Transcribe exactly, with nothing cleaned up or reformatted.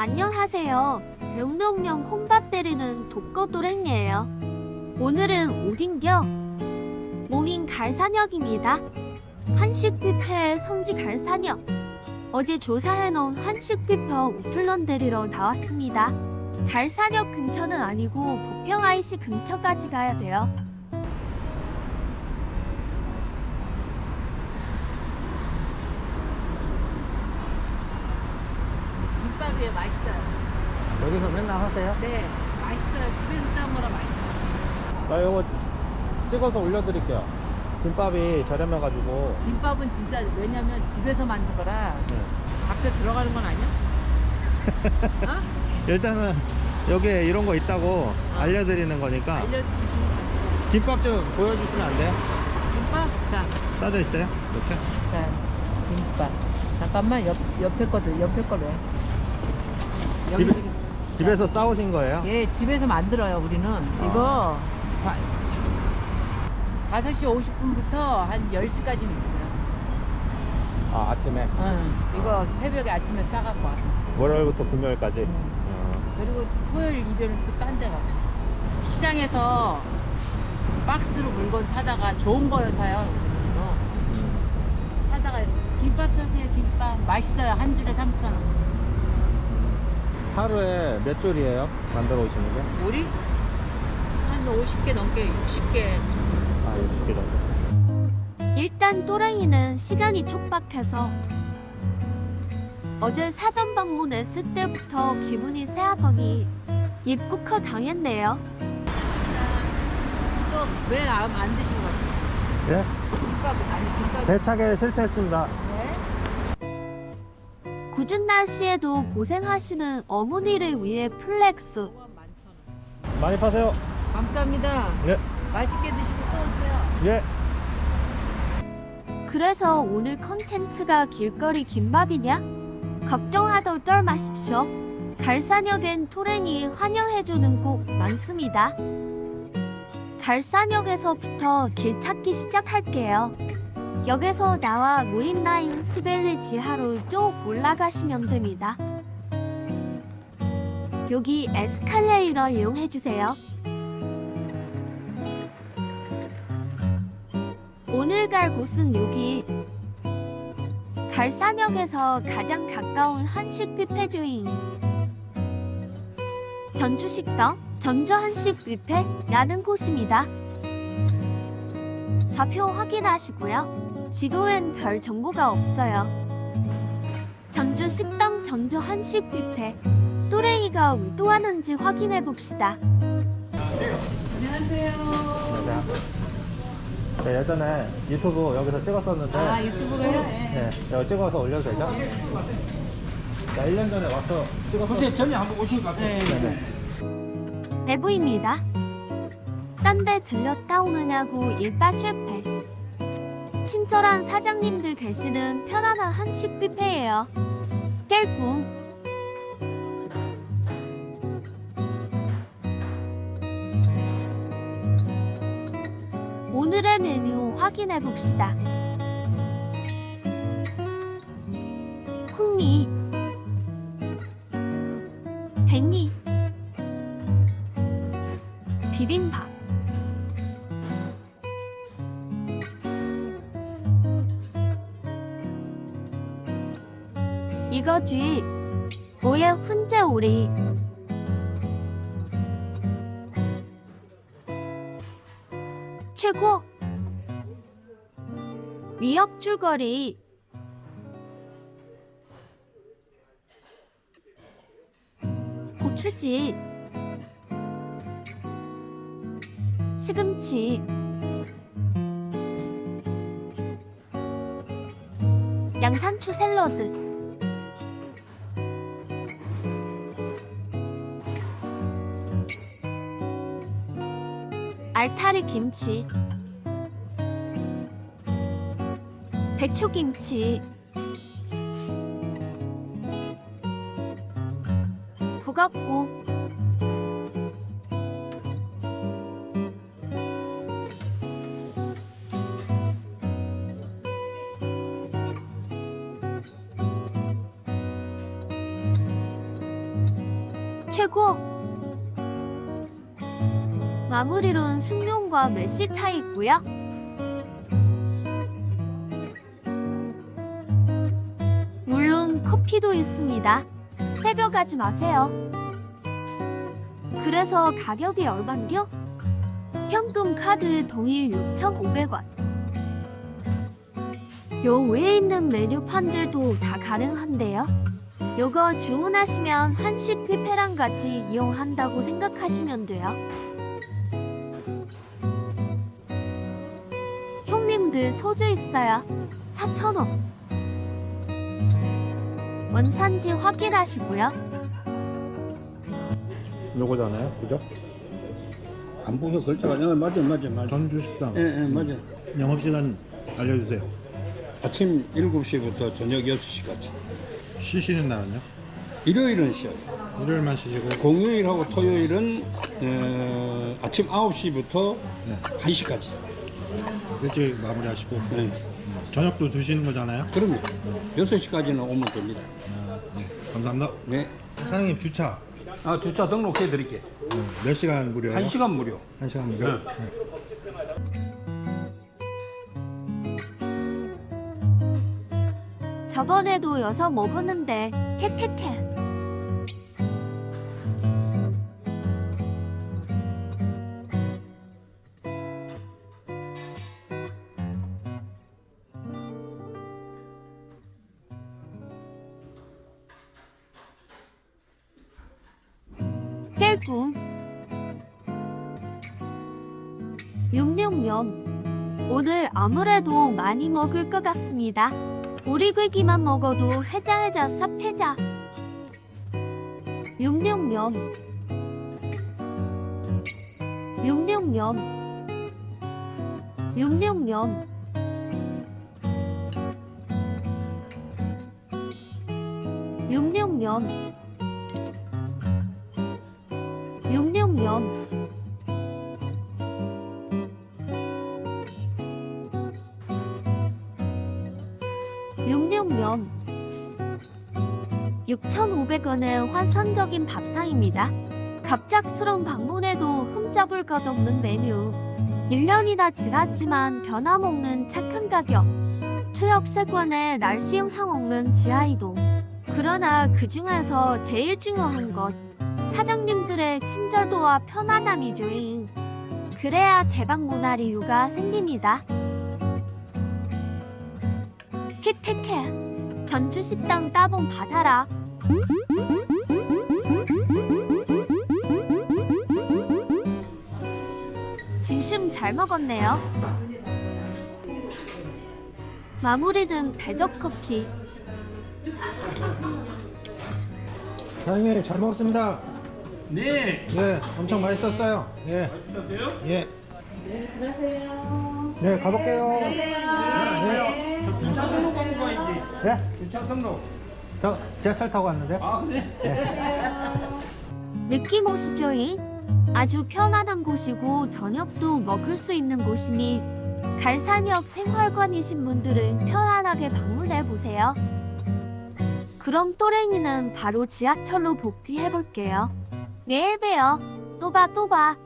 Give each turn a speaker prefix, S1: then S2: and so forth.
S1: 안녕하세요. 명령령 혼밥 때리는 독거도랭이에요. 오늘은 오딘겨 모민 갈산역입니다. 한식 뷔페의 성지 갈산역. 어제 조사해놓은 한식 뷔페 오플런 데리러 나왔습니다. 갈산역 근처는 아니고 부평 아이씨 근처까지 가야 돼요.
S2: 김밥이 맛있어요.
S3: 여기서 맨날 하세요?
S2: 네, 맛있어요. 집에서 싸 먹으라 맛있어요.
S3: 나 이거 찍어서 올려드릴게요. 김밥이 저렴해가지고.
S2: 김밥은 진짜 왜냐면 집에서 만든 거라
S3: 네.
S2: 잡혀 들어가는 건 아니야? 어?
S3: 일단은 여기에 이런 거 있다고 알려드리는 거니까.
S2: 알려주시면 돼요.
S3: 김밥 좀 보여주시면 안 돼요?
S2: 김밥? 자,
S3: 싸져 있어요? 이렇게?
S2: 자, 김밥. 잠깐만, 옆, 옆에 거들, 옆에 거로 해. 여기,
S3: 집에, 집에서 싸우신 거예요?
S2: 예, 집에서 만들어요, 우리는. 이거 다섯 시 오십 분부터 한 열 시까지는 있어요.
S3: 아, 아침에?
S2: 응, 이거 새벽에 아침에 싸갖고 와서.
S3: 월요일부터 금요일까지?
S2: 응.
S3: 어.
S2: 그리고 토요일, 일요일은 또 딴 데 가고. 시장에서 박스로 물건 사다가 좋은 거요 사요.
S3: 음.
S2: 사다가 김밥 사세요. 김밥 맛있어요. 한 줄에 삼천 원.
S3: 하루에 몇 줄이에요? 만들어 오시는 게?
S2: 우리 한 오십 개 넘게 육십 개.
S3: 아, 육십 개 정도.
S1: 일단 또랭이는 시간이 촉박해서 어제 사전 방문했을 때부터 기분이 쎄하더니 입국허 당했네요.
S2: 또 왜 안 드신 거예요?
S3: 예?
S2: 김밥 아니 김밥.
S3: 대차게 실패했습니다.
S2: 네?
S1: 굳은 날씨에도 고생하시는 어머니를 위해 플렉스.
S3: 많이 파세요.
S2: 감사합니다.
S3: 예.
S2: 맛있게 드시고 또 오세요.
S3: 예.
S1: 그래서 오늘 컨텐츠가 길거리 김밥이냐? 걱정하덜 떨 마십시오. 갈산역엔 토랭이 환영해주는 곳 많습니다. 갈산역에서부터 길 찾기 시작할게요. 역에서 나와 무인라인 스벨리 지하로 쭉 올라가시면 됩니다. 여기 에스컬레이터 이용해주세요. 오늘 갈 곳은 여기 갈산역에서 가장 가까운 한식 뷔페주인 전주식당 전주한식 뷔페라는 곳입니다. 좌표 확인하시고요. 지도엔 별 정보가 없어요. 전주식당 전주한식 뷔페 또랭이가 의도하는지 확인해 봅시다.
S2: 안녕하세요.
S3: 안녕하세요. 네, 예전에 유튜브 여기서 찍었었는데.
S2: 아 유튜브가요?
S3: 네, 여기 찍어서 올려도 되죠? 나 일 년 전에 와서 찍었었는데.
S4: 선생님 전에 한번 오신 것 같아요.
S2: 네.
S3: 네네.
S1: 내부입니다. 딴 데 들렸다 오느냐고 일바 실패. 친절한 사장님들 계시는 편안한 한식 뷔페예요. 깰꿈. 오늘의 메뉴 확인해 봅시다. 콩미, 백미, 비빔밥, 이거지. 뭐야 훈제 오리. 최고. 미역 줄거리. 고추지. 시금치. 양상추 샐러드. 알타리 김치. 배추김치. 북엇국. 최고! 마무리로는 숙련과 매실 차이 있고요. 물론 커피도 있습니다. 새벽하지 마세요. 그래서 가격이 얼만겨? 현금 카드 동일 육천오백 원. 요 위에 있는 메뉴판들도 다 가능한데요. 요거 주문하시면 한식 뷔페랑 같이 이용한다고 생각하시면 돼요. 형님들 소주 있어요. 사천 원. 원산지 확인하시고요.
S3: 요거잖아요, 그죠?
S4: 안 보여 글자가 어, 맞아 맞아 맞아.
S3: 전주식당.
S4: 예, 예, 맞아.
S3: 영업시간 알려주세요.
S4: 아침 일곱 시부터 저녁 여섯 시까지.
S3: 쉬시는 날은요?
S4: 일요일은 쉬어요.
S3: 일요일만 쉬시고.
S4: 공휴일하고 토요일은 어, 아침 아홉 시부터
S3: 네.
S4: 한 시까지.
S3: 일찍 마무리하시고.
S4: 네.
S3: 음, 저녁도 드시는 거잖아요?
S4: 그럼요. 여섯 시까지는 오면 됩니다.
S3: 아, 네. 감사합니다.
S4: 네.
S3: 사장님 주차
S4: 아, 주차 등록해 드릴게.
S3: 네. 몇 시간 무료예요?
S4: 한 시간 무료.
S3: 한 시간 무료?
S4: 네.
S3: 네.
S1: 저번에도 여서 먹었는데 캐캐캐. 깰꿈 육육면 오늘 아무래도 많이 먹을 것 같습니다. 오리고기만 먹어도 회자회자 쌉회자. 육육면 육육면 육육면 육육면 육육면 육육면 육천오백 원의 환상적인 밥상입니다. 갑작스런 방문에도 흠잡을 것 없는 메뉴. 일 년이나 지났지만 변함없는 착한 가격. 추억세권의 날씨 영향 없는 지하이동. 그러나 그 중에서 제일 중요한 것. 사장님들의 친절도와 편안함이죠잉. 그래야 재방문할 이유가 생깁니다. 킥킥해. 전주식당 따봉 받아라. 진심 잘 먹었네요. 마무리는 대접커피.
S3: 사장님 잘 먹었습니다.
S4: 네.
S3: 네, 엄청 맛있었어요. 예.
S4: 맛있었어요?
S3: 예.
S5: 네, 수고하세요.
S3: 네, 가볼게요.
S4: 네. 저 주차 등록 하고 가야지.
S3: 네?
S4: 주차 등록.
S3: 저 지하철 타고 왔는데.
S4: 아, 그래?
S1: 느낌 오시죠잉? 아주 편안한 곳이고 저녁도 먹을 수 있는 곳이니 갈산역 생활관이신 분들은 편안하게 방문해보세요. 그럼 또랭이는 바로 지하철로 복귀해볼게요. 내일 봬요. 또 봐, 또 봐.